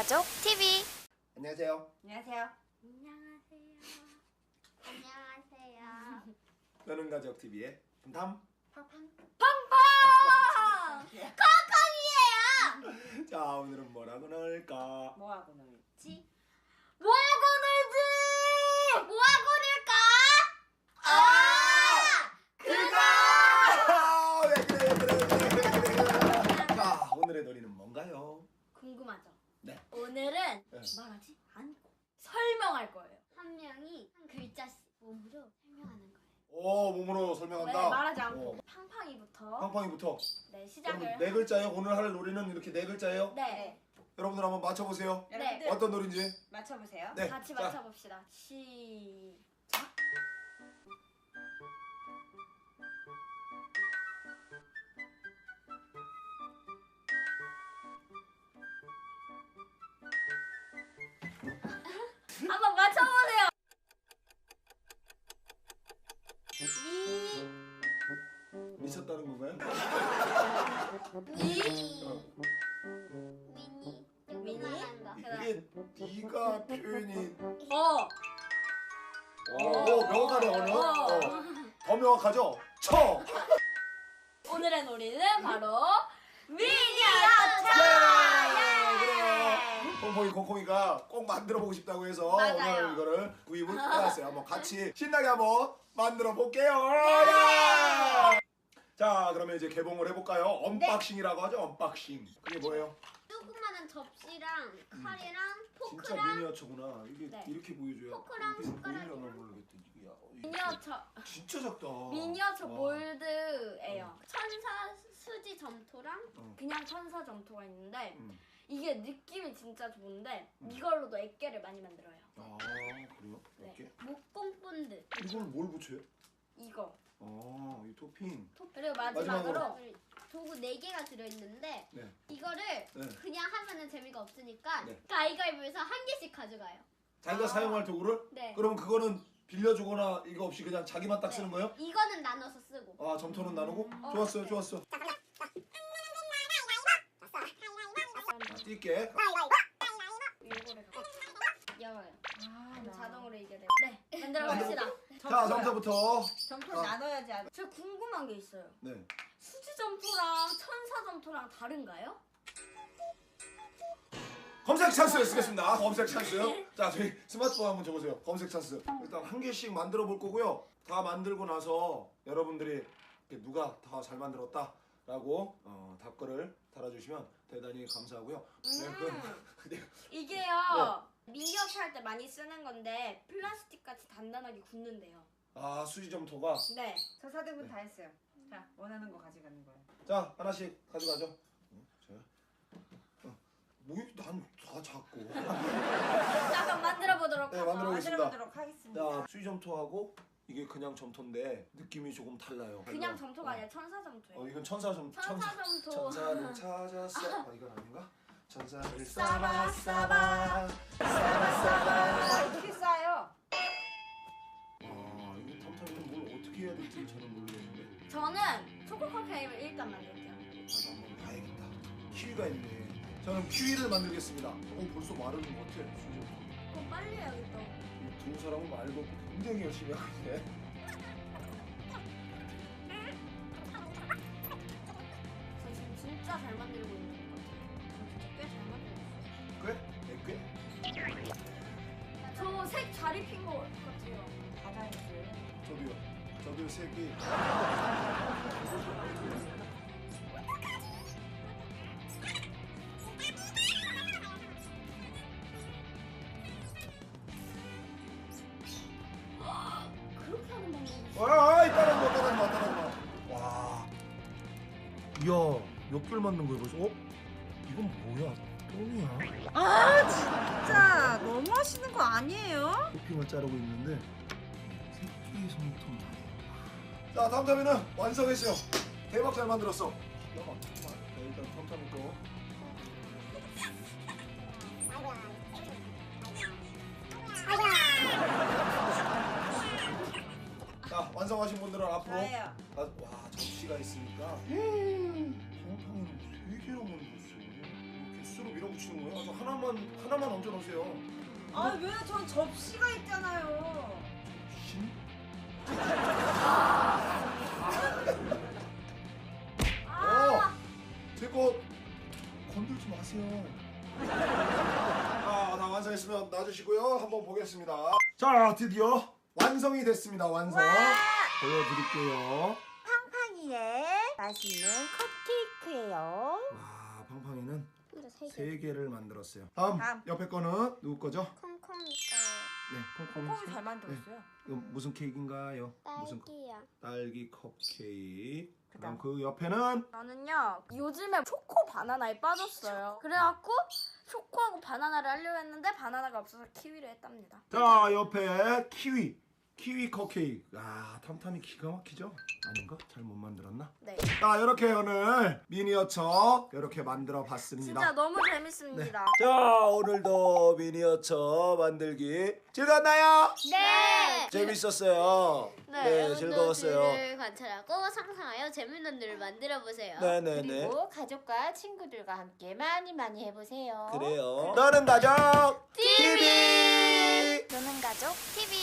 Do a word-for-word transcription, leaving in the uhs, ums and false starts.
가족 티비. 안녕하세요. 안녕하세요. 안녕하세요. 안녕하세요. 너는 가족 티비의 담담 팡팡. 팡팡! 팡팡이에요. 자, 오늘은 뭐라고 넣을까? 뭐하고 놀지? 뭐하고 놀지? 뭐하고 놀까? 아! 그거! 아, 왜 그래, 왜 그래, 왜 그래, 왜 그래, 왜 그래. 자, 오늘의 놀이는 뭔가요? 궁금하죠? 네. 오늘은 네. 말하지 않고 설명할 거예요. 한 명이 한 글자씩 몸으로 설명하는 거예요. 오, 몸으로 설명한다. 네, 말하지 않고 어, 팡팡이부터 팡팡이부터. 네, 시작을 여러분, 네 글자예요. 오늘 할 놀이는 이렇게 네 글자예요. 네. 여러분들 한번 맞춰보세요. 네. 어떤 놀인지. 맞춰보세요. 네. 같이 자, 맞춰봅시다. 시작. 한번 맞춰보세요. 미, 미쳤다는 건가요? 미, 어. 미니, 미니. 그다음 이게 네가 표현이 어. 오, 명확하네 오늘. 어. 어. 더 명확하죠? 쳐. 오늘의 놀이는 바로 미니어처. 그래. 콩콩이 콩콩이가 꼭 만들어 보고 싶다고 해서 맞아요. 오늘 이거를 구입을 해왔어요. 한번 같이 신나게 한번 만들어 볼게요. 예! 자, 그러면 이제 개봉을 해볼까요? 언박싱이라고 하죠. 언박싱. 그게 뭐예요? 조그마한 접시랑 칼이랑 진짜 포크랑 미니어처구나. 이게 네. 이렇게 보여줘야. 포크랑 이게 숟가락이랑. 보이려나 모르겠다. 이게 야, 이게 미니어처 진짜 작다. 미니어처 와. 몰드예요. 천사 수지 점토랑 어. 그냥 천사 점토가 있는데 음. 이게 느낌이 진짜 좋은데 음. 이걸로도 액계를 많이 만들어요. 아, 그래요? 네. 이렇게? 목공 본드 이건 뭘 붙여요? 이거. 아, 이 토핑. 그리고 마지막으로, 마지막으로. 도구 네 개가 들어있는데 네. 이거를 네. 그냥 하면은 재미가 없으니까 네. 가위가위보에서 한 개씩 가져가요. 자기가 아. 사용할 도구를? 네. 그럼 그거는 빌려주거나 이거 없이 그냥 자기만 딱 네. 쓰는 거예요? 이거는 나눠서 쓰고. 아, 점토는 나누고? 어, 좋았어요, 네. 좋았어. 아, 뛸게. 이거를 갖고 열어요. 아, 그럼 나. 자동으로 이게 돼요. 네, 만들어 봅시다. 자, 점토부터. 점토 어. 나눠야지. 아주. 저 궁금한 게 있어요. 네. 수지 점토랑 천사 점토랑 다른가요? 검색 찬스 쓰겠습니다. 검색 찬스. 자, 저희 스마트폰 한번 줘보세요. 검색 찬스. 일단 한 개씩 만들어 볼 거고요. 다 만들고 나서 여러분들이 이렇게 누가 더 잘 만들었다라고 어, 답글을 달아주시면 대단히 감사하고요. 네, 그, 네. 이게요. 미니어처 할 때 많이 쓰는 건데 플라스틱 같이 단단하게 굳는데요. 아, 수지 점토가. 네. 저 사등분 다 했어요. 자, 원하는 거 가져가는 거예요. 자, 하나씩 가져가죠. 어, 자. 어, 뭐, 난다 작고. 자, 그럼 만들어 보도록 네, 하죠. 만들어 보겠습니다. 만들어보도록 하겠습니다. 자, 수지 점토하고 이게 그냥 점토인데 느낌이 조금 달라요. 그냥 어. 점토가 아니라 천사 점토예요. 어, 이건 천사 점 천사 점토. 천사를 찾았어. 아, 이건 아닌가? 천사를 싸바 싸바 싸바 싸바. 아, 어떻게 싸요? 아, 이거 탐탐이는 뭘 어떻게 해야 될지 저는 모르겠는데. 저는 초코 컵케이크를 일단 만들게요. 아, 한번 봐야겠다. 키위가 있네. 저는 키위를 만들겠습니다. 어, 벌써 마르는 것 같아. 수지. 그럼 빨리 해야겠다. 두 사람은 말도 굉장히 열심히 하고 있네. 저 지금 진짜 잘 만들고 있는 것 같아요. 저 진짜 꽤 잘 만들고 있어요. 꽤? 네 꽤? 저 색 잘 입힌 것 같아요. 다 잘했어요. 저도요. 저도요 색이. 그렇게 하는 방법이 있어요. 와, 따라한 거, 따라한 거, 따라한 거. 와. 이야, 몇 개를 만든 거야 벌써? 어? 이건 뭐야? 똥이야? 아, 진짜 너무 하시는 거 아니에요? 토핑을 자르고 있는데 새끼 손톱. 자, 탐탐이는 완성했어요. 대박 잘 만들었어. 기가 막히구만. 자, 일단 탐탐이 거. 자, 완성하신 분들은 앞으로. 저예요. 아, 와, 접시가 있으니까. 탐탐이는 세 개나 만들었어. 개수로 밀어붙여. 붙이는 거예요? 저 하나만 하나만 얹어 놓으세요. 아 왜? 전 접시가 있잖아요. 신? 어, 제거 건들지 마세요. 아, 다 완성했으면 놔주시고요. 한번 보겠습니다. 자, 드디어 완성이 됐습니다. 완성. 보여드릴게요. 팡팡이의 맛있는 컵케이크예요. 와, 팡팡이는 혼자 세 개. 세 개를 만들었어요. 다음, 다음. 옆에 거는 누구 거죠? 콩콩이가 네, 콩콩이. 콩이 잘 만들었어요. 이거 무슨 케이크인가요? 무슨 코- 딸기야. 딸기 컵케이크. 그다음 그다음. 그 옆에는 저는요 요즘에 초코 바나나에 빠졌어요. 그래갖고 초코하고 바나나를 하려고 했는데 바나나가 없어서 키위를 했답니다. 자, 옆에 키위. 키위 컵케이크. 아, 탐탐이 기가 막히죠? 아닌가? 잘 못 만들었나? 네. 자, 이렇게 오늘 미니어처 이렇게 만들어 봤습니다. 진짜 너무 재밌습니다. 자, 오늘도 미니어처 만들기 즐거웠나요? 네. 재밌었어요. 네, 여러분도 즐거웠어요. 글을 관찰하고 상상하여 재밌는 글을 만들어 보세요. 네네네. 그리고 가족과 친구들과 함께 많이 많이 해보세요. 그래요. 너는 가족 티비. 노는 가족 티비